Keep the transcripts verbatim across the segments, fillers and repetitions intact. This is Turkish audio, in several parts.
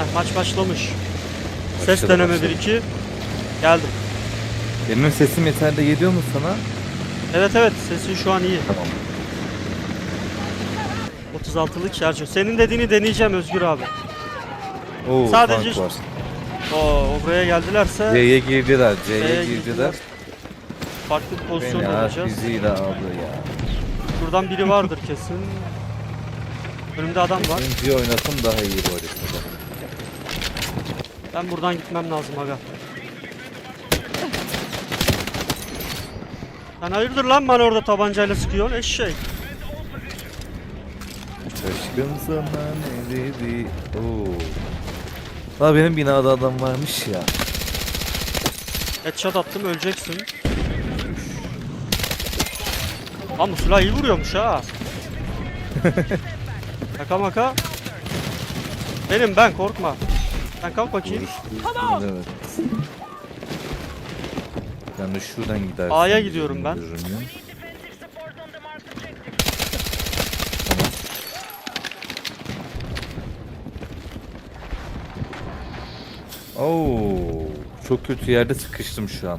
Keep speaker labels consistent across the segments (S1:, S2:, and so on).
S1: maç başlamış. Ses
S2: Başladı,
S1: deneme
S2: başladı.
S1: bir iki. Geldim.
S2: Benim sesim yeterli geliyor mu sana?
S1: Evet evet, sesin şu an iyi.
S2: Tamam.
S1: otuz altılık şarjör. Senin dediğini deneyeceğim Özgür abi.
S2: Oo,
S1: Sadece
S2: tank var.
S1: o buraya geldilerse
S2: C'ye girdiler, C'ye
S1: C'ye
S2: girdiler.
S1: girdiler. farklı bir pozisyonda
S2: Beni
S1: olacağız.
S2: füziyle aldı ya.
S1: Buradan biri vardır kesin. Önümde adam var.
S2: İkinci oynasam daha iyi bu haritada.
S1: Ben buradan gitmem lazım aga. Sen hayırdır lan bana orada tabancayla sıkıyorsun eşek.
S2: Şaşkın sana ne dedi? Oo. La benim binada adam varmış ya.
S1: Headshot attım, öleceksin. Lan bu silah iyi vuruyormuş ha. Şaka maka. Benim ben, korkma. Sen kalk bakayım.
S2: Evet. Ben de şuradan gidersin.
S1: A'ya gidiyorum ben.
S2: Görünüyor. Tamam. Oo, çok kötü yerde sıkıştım şu an.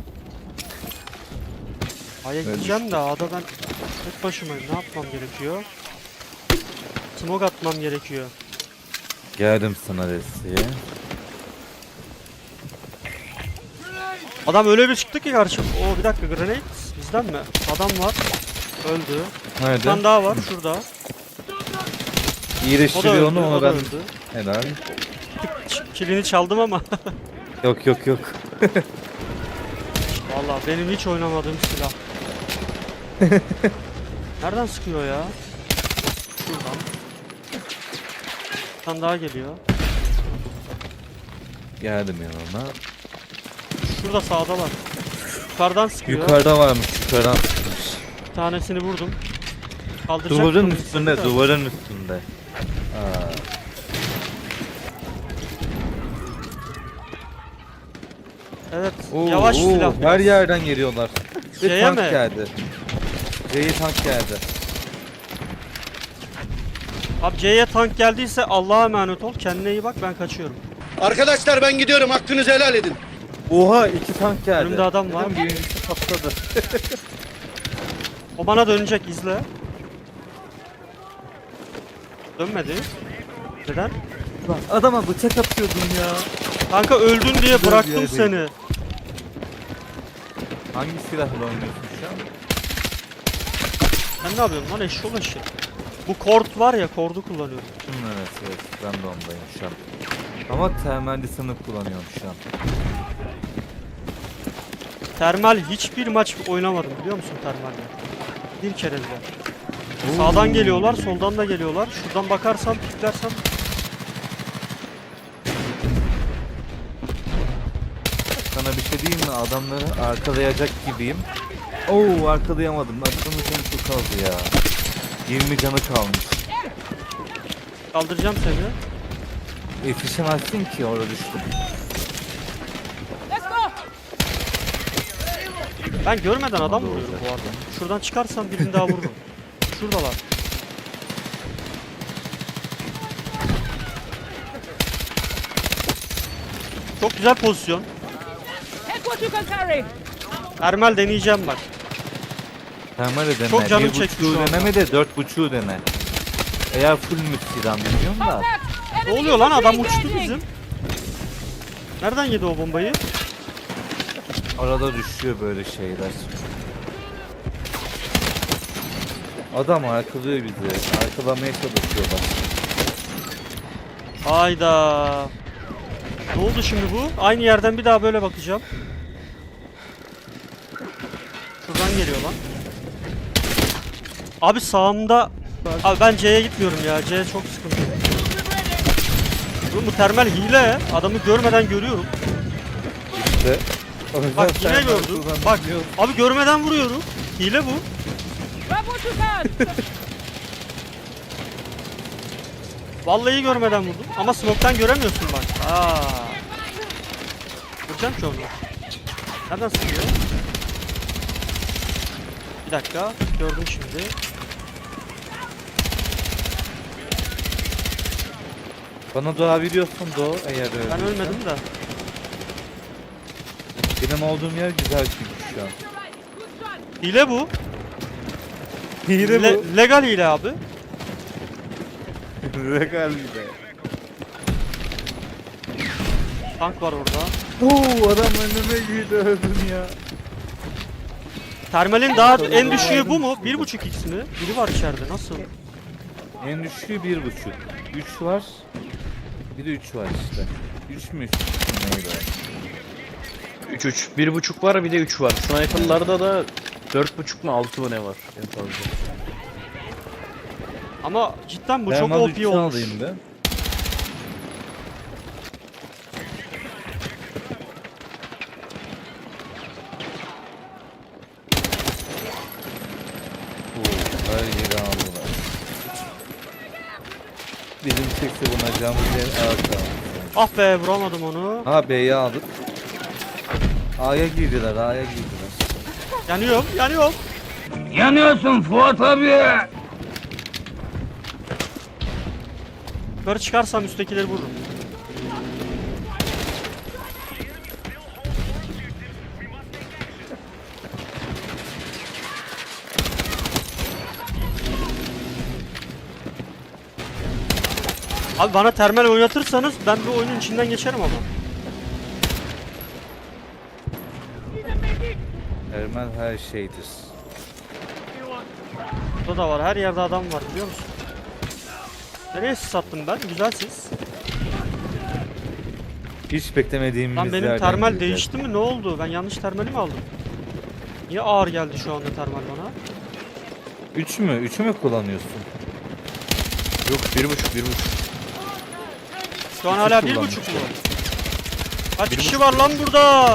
S1: A'ya gideceğim de A'da ben tek başımayım. Ne yapmam gerekiyor? Smoke atmam gerekiyor.
S2: Geldim sana desteğe.
S1: Adam öyle bir çıktı ki karşı. Oo bir dakika, grenade bizden mi? Adam var. Öldü. Bir
S2: Nerede?
S1: tane daha var şurada. O da
S2: İyileştiriyor
S1: öldü,
S2: onu,
S1: o
S2: ona
S1: da
S2: ben.
S1: öldü.
S2: Helal.
S1: Ç- Kilini çaldım ama.
S2: Yok yok yok.
S1: Vallahi benim hiç oynamadığım silah. Nereden sıkıyor ya? Şuradan. Bir tane daha geliyor.
S2: Geldim yanına.
S1: Şurada sağdalar. Yukarıdan sıkıyor.
S2: Yukarıda varmış, yukarıdan sıkmış.
S1: Bir tanesini vurdum. Kaldıracak
S2: Duvarın
S1: mı?
S2: üstünde,
S1: Da.
S2: duvarın üstünde. Aa.
S1: Evet.
S2: Oo,
S1: Yavaş
S2: oo,
S1: silah.
S2: her yerden geliyorlar. Ve
S1: C'ye
S2: tank
S1: mi?
S2: geldi. C'ye tank geldi.
S1: Abi C'ye tank geldiyse Allah'a emanet ol. Kendine iyi bak, ben kaçıyorum.
S3: Arkadaşlar ben gidiyorum. Hakkınızı helal edin.
S2: Oha, iki tank geldi.
S1: Önümde adam var.
S2: Neden birincisi patladı?
S1: O bana dönecek, izle. Dönmedi. Neden?
S2: Lan adama bıçak atıyordum ya.
S1: Kanka öldün diye
S2: Güzel bir
S1: bıraktım
S2: yerdeyim.
S1: seni.
S2: Hangi silahla oynuyorsun şu an?
S1: Sen ne yapıyorsun lan eşşoğlu eşek? Bu kord var ya, kordu kullanıyorum.
S2: Hmm, evet evet, ben de ondayım şu an. Ama temelli sınıf kullanıyorum şu an.
S1: Termal hiçbir maç oynamadım biliyor musun termalle? Bir kere bile. Sağdan geliyorlar, soldan da geliyorlar. Şuradan bakarsam, piklersem.
S2: Sana bir şey diyeyim mi? Adamları arkalayacak gibiyim. Oo, arkalayamadım. Adamın canı çok az ya. yirmi canı kalmış.
S1: Kaldıracağım seni.
S2: Yetişemezsin ki, orada düştüm.
S1: Ben görmeden adam
S2: Tamam,
S1: vuruyorum
S2: olacak.
S1: bu arada. Şuradan çıkarsam birini daha vururum. Şuradalar. Çok güzel pozisyon.
S4: Take what you can carry.
S1: Termal deneyeceğim bak.
S2: Termal dene.
S1: Çok canım
S2: bir
S1: çekti
S2: buçuğu
S1: şu anda.
S2: deneme de dört buçuğu dene. Eğer full müstidan biliyorum da.
S4: Contact.
S1: Ne
S4: Enemy
S1: oluyor lan, adam
S4: infantry
S1: uçtu
S4: engaging.
S1: bizim. Nereden yedi o bombayı?
S2: Arada düşüyor böyle şeyler. Adam arkalıyor bizi. Arkalamaya çalışıyorlar.
S1: Hayda. Ne oldu şimdi bu? Aynı yerden bir daha böyle bakacağım. Şuradan geliyor lan. Abi sağımda... Abi ben C'ye gitmiyorum ya. C çok sıkıntı. Oğlum bu termal hile. Adamı görmeden görüyorum.
S2: İşte. O yüzden
S1: Bak yine
S2: termal
S1: gördüm.
S2: kullanmıyor.
S1: Bak abi görmeden vuruyorum. Hile bu.
S4: Grab what you can.
S1: Vallahi görmeden vurdum. Ama smoke'tan göremiyorsun bak. Aa. Vuracağım ki onu. Nereden sıkıyor? Bir dakika. Gördüm şimdi.
S2: Bana doğabiliyorsun Doğu eğer öyle.
S1: Ben ölmedim de.
S2: Benim olduğum yer güzel çünkü şu an.
S1: Hile bu.
S2: Hile
S1: Le-
S2: bu.
S1: legal hile abi.
S2: Legal hile.
S1: Tank var orada.
S2: Oo adam önüme girdi öldüm ya.
S1: Termalin daha en düşüğü bu mu? bir buçuk x mi? Biri var içeride. Nasıl?
S2: En düşüğü bir buçuk. Üç var. Bir de üç var işte. Üç mü üç? Neydi o?
S5: üç üç. bir buçuk var bir de üç var. Sniper'larda da dört buçuk mu altı mı ne var en fazla.
S1: Ama cidden bu
S2: Ben
S1: çok
S2: mal
S1: O P
S2: üçünü
S1: olmuş.
S2: alayım be. Oo, her yeri aldılar. Bizim çekse buna camımız yer arka.
S1: Ah be vuramadım onu.
S2: Ha B'yi aldık. A'ya girdiler, A'ya girdiler.
S1: Yanıyorum, yanıyorum.
S6: Yanıyorsun Fuat abi.
S1: Yukarı çıkarsam üsttekileri vururum. Abi bana termal oynatırsanız ben bir oyunun içinden geçerim ama.
S2: Ermen her şeydir.
S1: Burada da var, her yerde adam var biliyor musun? Nereye sis attım ben? Güzel sis.
S2: Hiç beklemediğimiz
S1: Lan benim
S2: yerden
S1: termal
S2: girdiler.
S1: değişti mi? Ne oldu? Ben yanlış termali mi aldım? Niye ağır geldi şu anda termal bana?
S2: Üç mü? Üçü mü kullanıyorsun?
S5: Yok bir buçuk bir buçuk.
S1: Şu an
S2: Üçü
S1: hala bir
S2: kullanmış.
S1: buçuk mu? Kaç
S5: Bir
S1: kişi
S5: buçuk.
S1: var lan burada?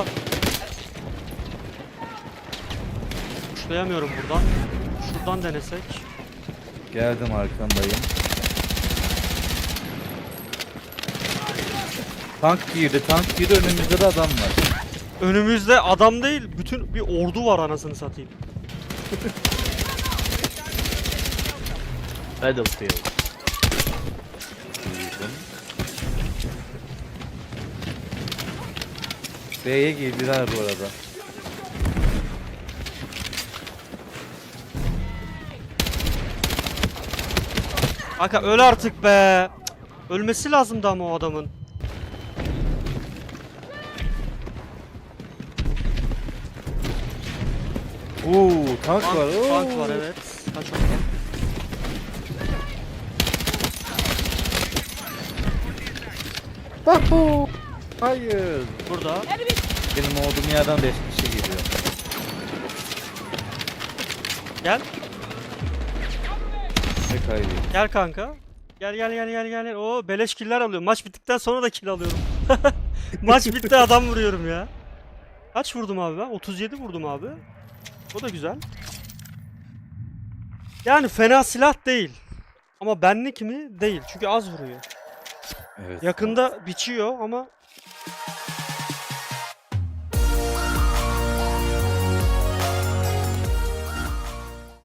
S1: Uçlayamıyorum buradan. Şuradan denesek.
S2: Geldim arkandayım. Tank girdi, tank girdi, önümüzde de adam var.
S1: Önümüzde adam değil, bütün bir ordu var anasını satayım.
S5: Battlefield.
S2: B'ye girdiler bu arada.
S1: Kanka öl artık be. Cık, ölmesi lazımdı ama o adamın.
S2: Oo, tank
S1: Tank,
S2: var. Oo.
S1: tank var evet. Kaç oradan.
S2: Tahu. Hayır.
S1: Burada.
S4: Enemy.
S2: Benim olduğum yerden beş kişi geliyor.
S1: Gel.
S2: Ne kaybı?
S1: Gel kanka. Gel gel gel gel gel. Oo beleş killer alıyorum. Maç bittikten sonra da kill alıyorum. Maç bitti adam vuruyorum ya. Kaç vurdum abi ben? otuz yedi vurdum abi. O da güzel. Yani fena silah değil. Ama benlik mi? Değil. Çünkü az vuruyor.
S2: Evet.
S1: Yakında biçiyor ama